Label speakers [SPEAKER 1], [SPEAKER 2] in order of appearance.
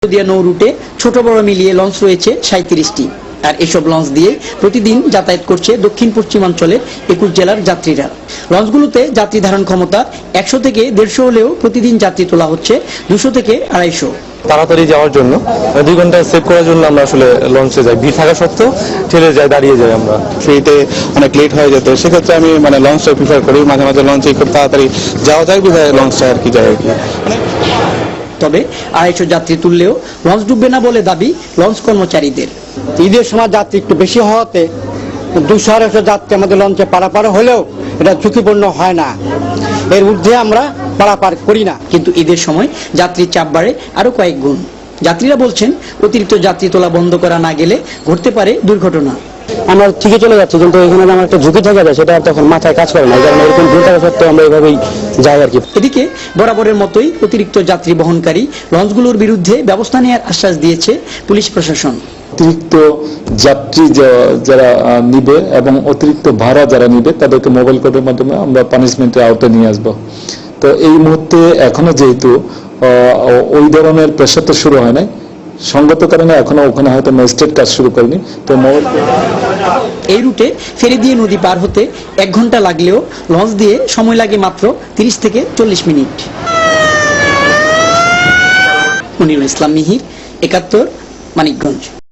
[SPEAKER 1] নদিয়া নৌ রুটে ছোট বড় মিলিয়ে লঞ্চ রয়েছে 37টি। আর এসব লঞ্চ দিয়ে প্রতিদিন যাতায়াত করছে দক্ষিণ পশ্চিমাঞ্চলের 21 জেলার যাত্রীরা। লঞ্চগুলোতে যাত্রী ধারণ ক্ষমতা 100 থেকে 150 হলেও প্রতিদিন যাত্রী তোলা হচ্ছে 200 থেকে 250।
[SPEAKER 2] তাড়াতাড়ি যাওয়ার জন্য 2 ঘন্টা সেভ করার জন্য আমরা আসলে লঞ্চে যাই, ভিড় থাকা সত্ত্বেও ঠেলে যাই, দাঁড়িয়ে যাই। আমরা
[SPEAKER 3] ফ্রিতে অনেক লেট হয়ে যেত, সেক্ষেত্রে আমি লঞ্চটা প্রিফার করি। মাঝে মাঝে লঞ্চে খুব তাড়াতাড়ি যাওয়া যায় বিধায় লঞ্চটা আর কি যায় আর কি।
[SPEAKER 1] তবে 250 যাত্রী তুললেও লঞ্চ ডুববে না বলে দাবি লঞ্চ কর্মচারীদের।
[SPEAKER 4] ঈদের সময় যাত্রী একটু বেশি হওয়াতে 200-250 যাত্রী আমাদের লঞ্চে পারাপার হলেও এটা ঝুঁকিপূর্ণ হয় না, এর ঊর্ধ্বে আমরা পারাপার করি না।
[SPEAKER 1] কিন্তু ঈদের সময় যাত্রীর চাপ বাড়ে আরো কয়েক গুণ। যাত্রীরা বলছেন অতিরিক্ত যাত্রী তোলা বন্ধ করা না গেলে ঘটতে পারে দুর্ঘটনা।
[SPEAKER 4] আমরা ঠিকই চলে যাচ্ছি, কিন্তু এখানে আমার একটা ঝুঁকি থাকে যায়, সেটা তখন মাথায় কাজ করে না। কারণ এরকম ভিড় থাকা সত্ত্বেও আমরা এইভাবেই যাই আর কি।
[SPEAKER 1] এদিকে বরাবরের মতোই অতিরিক্ত যাত্রী বহনকারী লঞ্চগুলোর বিরুদ্ধে ব্যবস্থা নেওয়ার আশ্বাস দিয়েছে পুলিশ প্রশাসন।
[SPEAKER 5] অতিরিক্ত যাত্রী যারা নিবে এবং অতিরিক্ত ভাড়া যারা নিবে তাদেরকে মোবাইল কোর্টের মাধ্যমে আমরা পানিশমেন্টের আওতায় নিয়ে আসবো। তো এই মুহূর্তে এখনো যেহেতু ওই ধরনের প্রেশার তো শুরু হয় নাই, সঙ্গত কারণে এখনো ওখানে হয়তো ম্যাজিস্ট্রেট কাজ শুরু করেনি। তো
[SPEAKER 1] এই রুটে ফেরি দিয়ে নদী পার হতে 1 ঘন্টা লাগলেও লঞ্চ দিয়ে সময় লাগে মাত্র 30 থেকে 40 মিনিট। মনিরুল ইসলাম মিহির, 71, মানিকগঞ্জ।